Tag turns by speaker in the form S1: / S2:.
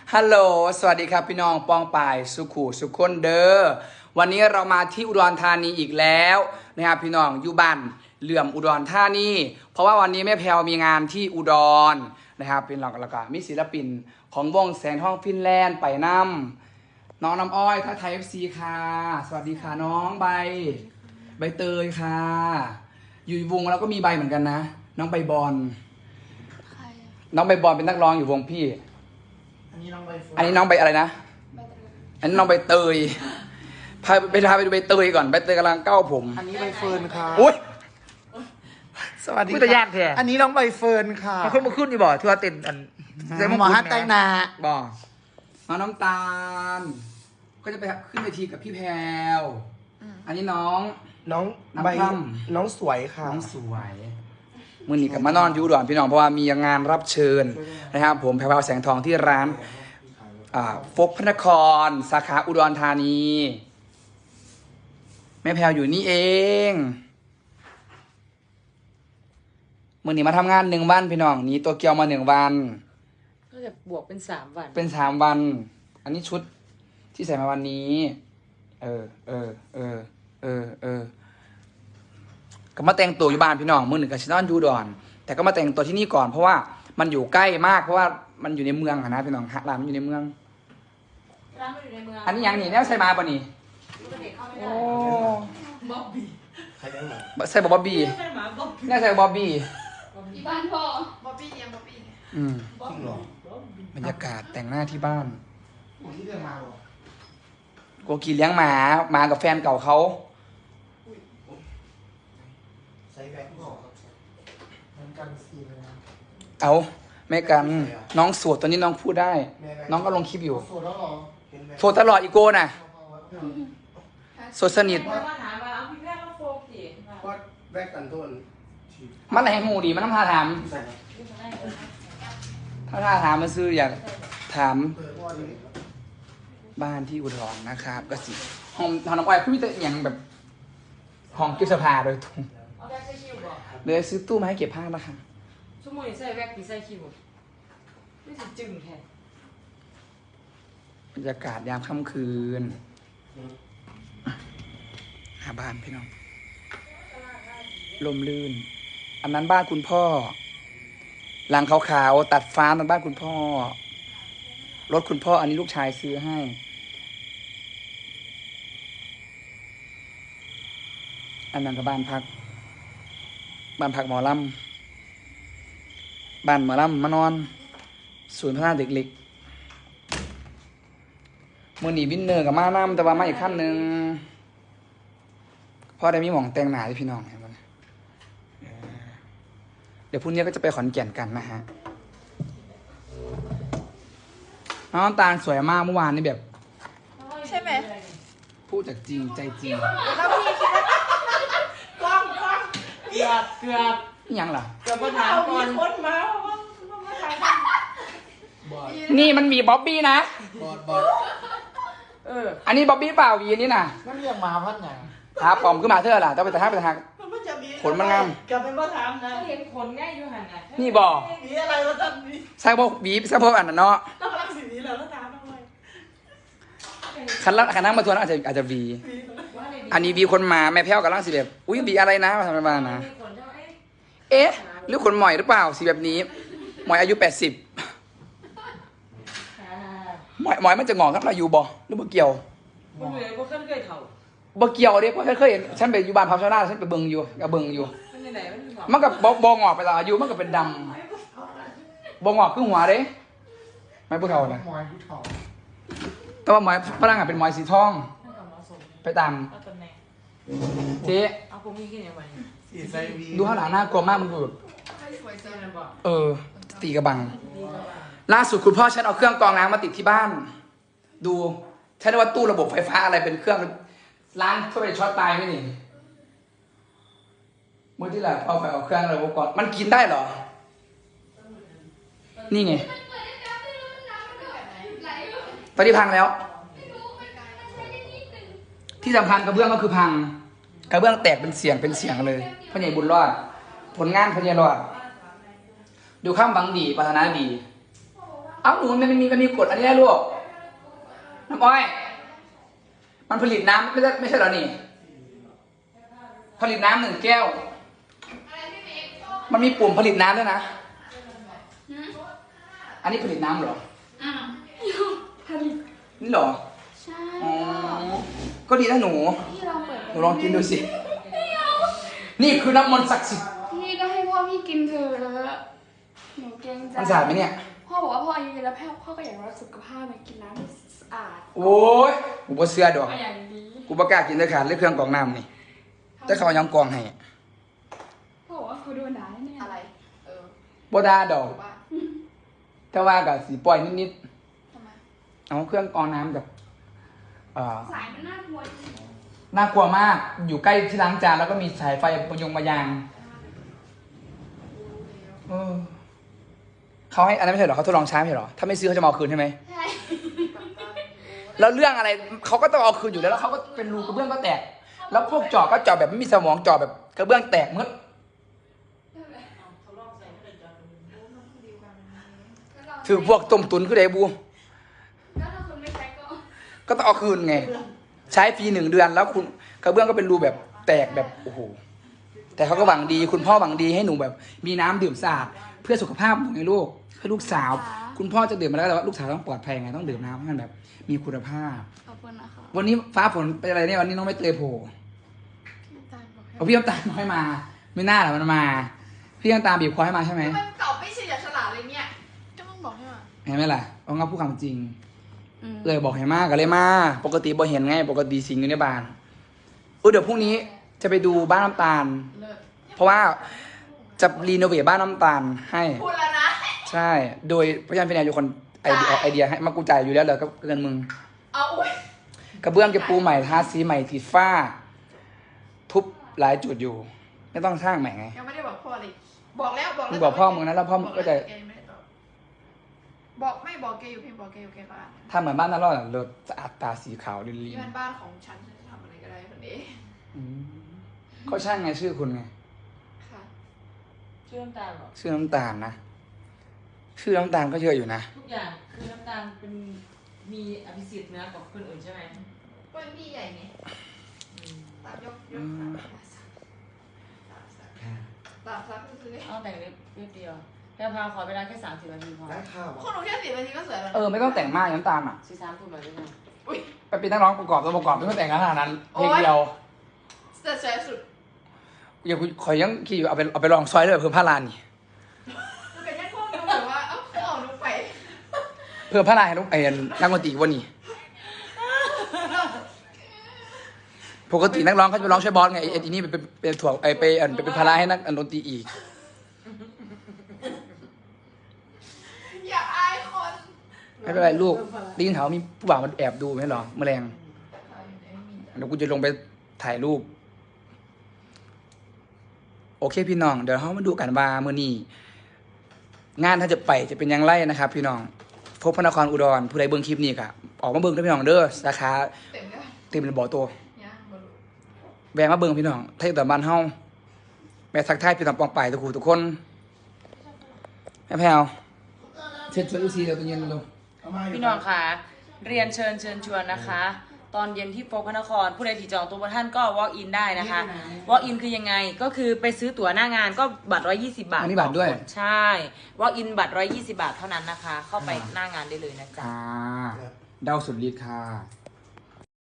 S1: ฮัลโหลสวัสดีครับพี่น้องปองป่ายสุขุสุขคนเด้อวันนี้เรามาที่อุดรธานีอีกแล้วนะครับพี่น้องอยู่บ้านเหลื่อมอุดรธานีเพราะว่าวันนี้แม่แพลวมีงานที่อุดรนะครับเป็นหลักแล้วก็มีศิลปินของวงแสงทองฟินแลนด์ไปนำน้องน้ำอ้อยท่าไทย FC ค่ะสวัสดีค่ะน้องใบเตยค่ะอยู่วงแล้วก็มีใบเหมือนกันนะน้องใบบอลน้องใบบอลเป็นนักร้องอยู่วงพี่อันนี้น้องใบอะไรนะอันนี้น้องใบเตยพาไปดูใบเตยก่อนใบเตยกำลังเก้าผม
S2: อันนี้ใบเฟิร์นค่ะ
S1: อุ้ย
S2: สวัสดี
S1: พูดแต่ยากแท้
S2: อันนี้น้องใบเฟิร์นค่ะ
S1: มาขึ้นอยู่บ่ที่ว่าเต้นอัน
S2: หมอฮัตแตงนา
S1: บ่น้องน้ำตาลก็จะไปขึ้นเวทีกับพี่แพรวอันนี้น้อง
S2: ใบน้องสวยค่ะ
S1: น้องสวยมื่อนี้กับมานอนอยู่อุดรพี่น้องเพราะว่ามีงานรับเชิญนะครับผมแพรวแสงทองที่ร้านฟกพระนครสาขาอุดรธานีแม่แพรวอยู่นี่เองมื่อนี้มาทำงาน1 วันพี่น้องนี้ตัวเกียวมา1 วัน
S3: ก็จะบวกเป็น3 วัน
S1: เป็น3 วันอันนี้ชุดที่ใส่มาวันนี้ก็มาแต่งตัวอยู่บ้านพี่น้องมื้อหนึ่งกับชินอนยูดอนแต่ก็มาแต่งตัวที่นี่ก่อนเพราะว่ามันอยู่ใกล้มากเพราะว่ามันอยู่ในเมืองนะพี่น้องร้านมันอยู่ในเมืองอันนี้ยังนี่แนวใส่มาป่ะนี่โอ้
S3: บ๊อบบี้
S2: ใครได้หรอ
S1: ใส่บ๊อบบี้แน่ใส่บ๊อบบี้
S4: ที่บ้านพ่อบ๊อบบี้ยังบ๊อบบี้
S2: จริงเหร
S1: อบรรยากาศแต่งหน้าที่บ้าน
S2: ที่เดินมาหรอ
S1: โกกีเลี้ยงหมากับแฟนเก่าเขา
S2: ใส่แบงค์บอกมันกันซีเลยนะ
S1: เอาแม่กันน้องโสดตอนนี้น้องพูดได้น้องก็ลงคลิปอยู่
S2: โสดแล้วหรอ
S1: โสดตลอดอีโก้น่ะโสดสนิท
S2: ก็แบกกันต้น
S1: มันอะไรหูดีมันต้องพาถามถ้าถามมันซื้ออยากถามบ้านที่อุดรนะครับก็สิห้องน้ำอ้อยคือมีแต่อย่างแบบห้องเก็บเสื้อผ้าโดยตรงเลยซื้อตู้มาให้เก็บผ้านะคะ
S3: ชั่วโมงใส่แว็กซ์ใส่คิวไม่ถึงจึงแทน
S1: บรรยากาศยามค่ำคืนหาบ้านพี่น้องลมลื่นอันนั้นบ้านคุณพ่อหลังขาวๆตัดฟ้ามันบ้านคุณพ่อรถคุณพ่ออันนี้ลูกชายซื้อให้อันนั้นก็บ้านพักหมอลำบ้านหมอลำมานอนศูนย์พัฒนาเด็กเล็กมือหนีวินเนอร์กับมาน้ำแต่ว่ามาอีกขั้นหนึ่งพ่อได้มีหมองแต่งหนาที่พี่น้องเห็นไหมเดี๋ยวพรุ่งนี้ก็จะไปขอนแก่นกันนะฮะน้องตาลสวยมากเมื่อวานนี่แบบ
S4: ใช่ไหม
S1: พูดจากจริงใจจริง
S4: แล้วพี่คิดว่ากล้อง
S3: เกือบ
S1: ยังล่ะ
S3: เกือบมาถามก่อน
S4: คนมา
S1: นี่มันมีบ๊อบบี้นะ
S2: บอด
S1: อันนี้บ๊อบบี้เปล่าวีนี่นะ
S2: นั่นเรียกมาพัดไง
S1: ครับผมขึ้นมาเท่าไหร่ต้องไปแต่หักขนมันงาม
S4: กลับไปมาถามนะ
S3: เห็นขนง่ายอยู่หันนะ
S1: นี่บอก
S4: มีอะไรมาทำนี่
S1: ใส่พวกบีใส่พวกอันนั้นเนาะ
S4: ต้องรักสิ่งนี้แล้วถามทำไม
S1: คันนั่งมาทัวร์อาจจะวีอันนี้วีคนมาแม่แพ้วกับร่างสีแบบอุ้ยวีอะไรนะมาทำอะไรมานะเอ๊ะหรือขนหมอยหรือเปล่าสีแบบนี้หมอยอายุ80หมอยมันจะงอกครับอายุบ่หรือบ่เกี่ยว
S3: บ่เลยบ่เคยเฒ่า
S1: บ่เกี่ยวเด้เพราะเคยเห็นฉันไปอยู่บ้านพับชาวนาฉันไปเบิ่งอยู่กับเบิ่งอยู่มันกับบ่งอกไปแล้วอายุมันก็เป็นดำบ่งอกคือหัวเด้ไม่ผู้เฒ่านะแต่ว่าหมอยฝรั่งเป็นหมอยสีทองไปตามเจ๊ดูข้างหลังน่ากลัวมากมึงดูตีกระบังล่าสุดคุณพ่อฉันเอาเครื่องกรองน้ำมาติดที่บ้านดูฉันว่าตู้ระบบไฟฟ้าอะไรเป็นเครื่องล้างเข้าไปช็อตตายไหมนี่เมื่อที่แหละเอาไปเอาเครื่องระบบก่อนมันกินได้เหรอนี่ไงตอนนี้พังแล้วที่สำคัญกระเบื้องก็คือพังกระเบื้องแตกเป็นเสียงเลยพ่อใหญ่บุญรอดผลงานพ่อใหญ่รอดดูข้ามบังดีปรารถนาดีเอ้าหนูมันมีกฎอันนี้ได้ลูกน้ำอ้อยมันผลิตน้ำไม่ใช่เหรอนี่ผลิตน้ำ1 แก้วมันมีปุ่มผลิตน้ำด้วยนะอันนี้ผลิตน้ำเหรอ
S5: ผลิต
S1: นี่เหรอ
S5: ใช่
S1: อ๋อก็ดีนะหนู
S5: พี่ลองเปิด
S1: หนูลองกินดูสินี่คือน้ำมนต์ศักดิ์สิทธิ์
S5: พี่ก็ให้พ่อพี่กินเถอะหนูเกรงใจ
S1: มันสะอาดไหมเนี่ย
S5: พ่อบอกว่าพ่ออายุเยอะแล้วพ่อก็อยากรักสุขภาพไปกินน้ำที่สะอาด
S1: โอ้ยกูบ่เชื่อดอก
S5: ก็อย่างนี้
S1: กูประกล้ากินเลยขาดเลยเครื่องกรองน้ำนี่แต่เขายังกรองให้
S5: พ่อบอกว่าเขาโดนด่าแน่ๆ
S3: อะไร
S1: บ่ด่าดอก
S3: ว่า
S1: แต่ว่ากับสีปล่อยนิด
S3: ทำไม
S1: ๆเอาเครื่องกรองน้ำกับ
S5: สายมันน่ากลัวจริง
S1: น่ากลัวมากอยู่ใกล้ที่ล้างจานแล้วก็มีสายไฟมายางเออเขาให้อันนั้นไม่ใช่เหรอเขาทดลองใช้ไม่ใช่เหรอถ้าไม่ซื้อเขาจะมาเอาคืนใช่ไหม
S5: ใช่
S1: แล้วเรื่องอะไรเขาก็ต้องเอาคืนอยู่แล้วแล้วเขาก็เป็นรูกระเบื้องก็แตก แล้วพวกเจาะก็เจาะแบบไม่มีสมองเจาะแบบกระเบื้องแตกหมดถือพวกต้มตุนคือไดบู
S5: แล้วถ้าคุณไม่ใช้ก็
S1: ก็ต้องเอาคืนไง ใช้ฟรี1 เดือนแล้วคุณกระเบื้องก็เป็นรูแบบแตกแบบโอ้โหแต่เขาก็หวังดีคุณพ่อหวังดีให้หนูแบบ มีน้ำดื่มสะอาดเพื่อสุขภาพของลูกเพื่อลูกสาว คุณพ่อจะดื่มมาแล้วแต่ว่าลูกสาวต้องปลอดภัยไงต้องดื่มน้ำให้มันแบบ มีคุณภาพ
S5: ขอบคุณนะคะ
S1: วันนี้ฟ้าฝนเป็นอะไรเนี่ยวันนี้น้องไม่เตยโผล่
S5: พี่ตาลบอกให้
S1: เอาพี่น้ำตาลน้อยมา ไม่น่าหรอกมันมา พี่น้ำตาลบีบคอให้มาใช่ไหม
S3: มันตอบไม่ใช่ฉลาดเลยเนี่ย
S5: ก็ต้องบอกให้ว่า
S1: เห็นไหมล่ะเอางั้นพูดความจริง
S5: อืม
S1: เลยบอกให้มากก็เลยมาปกติบ่เห็นไงปกติสิงอยู่ในบ้านเดี๋ยวพรุ่งนี้จะไปดูบ้านน้ำตาล
S3: เลิศ
S1: เพราะว่าจะรีโนเวทบ้านน้ำตาลให้
S3: พูดแล้วนะ
S1: ใช่ โดยพยานเป็นนายอยู่คนไอเดียออกไอเดียให้มากูจ่ายอยู่แล้วเลยก็เงินมึง
S3: เอาอุ้ย
S1: กระเบื้องจะปูใหม่ทาสีใหม่ติดฝ้า ทุบหลายจุดอยู่ ไม่ต้องสร้างใหม่ไง
S3: ยังไม่ได้บอกพ่อเลย บอกแล้วบอก
S1: มึ
S3: แล้
S1: ง
S3: ว
S1: บอกพ่อมึงนะแล้วพ่อมึงก็จะ
S3: แกยังไม่ได้ตอบบอกไม่บอกแกอยู่เพียงบอกแกอยู่แกก็อ่าน
S1: ทำเหมือนบ้านนั่นรอดรถสะอาดตาสีขาวลิ
S3: นี่
S1: น
S3: มันบ้านของฉันฉันจะทำอะไรก็ได้คนนี้
S1: ๆอืมก็ช่างไงชื่อคุณไง
S3: ค่ะ
S6: ชื่อน้ำตาลเหรอ
S1: ชื่อน้ำตาลนะชื่อน้ำตาลก็เยอะอยู่นะ
S6: ทุกอย่างคือน้ำตาลเป็นมีอภิสิทธิ์นะกับคนอื่นใช่ไหม
S3: ก็พี่ใหญ่ไง
S6: อืม
S3: ตามยกตามซักซื้อ
S6: เอาแต่งเล็บนิดเดียวแพรพาขอเวลาแค่30 นาทีพอ
S2: ได้ข้าว
S3: คนหนูแค่10 นาทีก็สวยแล้ว
S1: ไม่ต้องแต่งมากน้ำตาลอ่ะ
S6: 43 ทุ่มเลยได้ไหม
S3: อุ้ย
S1: ไปเป็นนักร้องประกอบตัวประกอบไม่ต้องแต่งขนาดนั้นเพลงเดียว
S3: แต่สวยสุด
S1: อย่าขอยยังขี่อยู่เอาไปลองซอยเลยเพิ่มผ้าลานนี่
S3: มันเป็นแค่พวกดูแบบว่าเอ้าเอาลูกไป
S1: เพิ่มผ้าลานให้ลูกนักดนตรีวันนี้ปกตินักร้องเขาจะไปร้องช่วยบอสไงไอ้นี่เป็นถ่วงไปเป็นภาระให้นักดนตรีอีก
S3: อย่าอายคน
S1: ไม่เป็นไรลูกได้ยินข่าวว่ามีผู้บ่าวมันแอบดูไหมเหรอแมลงเดี๋ยวกูจะลงไปถ่ายรูป โอเคพี่น้องเดี๋ยวเขามาดูกันว่ามื้อนี้งานถ้าจะไปจะเป็นยังไงนะครับ พี่น้องพบพระนครอุดรผู้ใดเบิ่งคลิปนี้ก็ออกมาเบิ่งด้วยพี่น้องเด้อสาขา
S3: เต็มเลย
S1: เต็มเลยบ่อตัว
S3: เนี่ยบลู
S1: แวะมาเบิ่งพี่น้องไทยตอนบ้านเฮาแม่ทักทายพี่น้องปองไปทุกคู่ทุกคนแม่แพรวเช็ดช่วยดูซีเดี๋ยวตัวเย็นลง
S2: เอามาอยู่
S6: พี่น้องค่ะเรียนเชิญชวนนะคะ ตอนเย็นที่โฟกพระนครผู้ใดที่จองตัวบนท่านก็ walk in ได้นะคะ walk in คือยังไงก็คือไปซื้อตั๋วหน้างานก็บัตร120 บาท
S1: อันนี้บัตรด้วย
S6: ต่อคนใช่ walk in บัตร120 บาทเท่านั้นนะคะ เข้าไปหน้างานได้เลยนะจ๊ะ
S1: เดาสุดฤทธิ์ค่ะ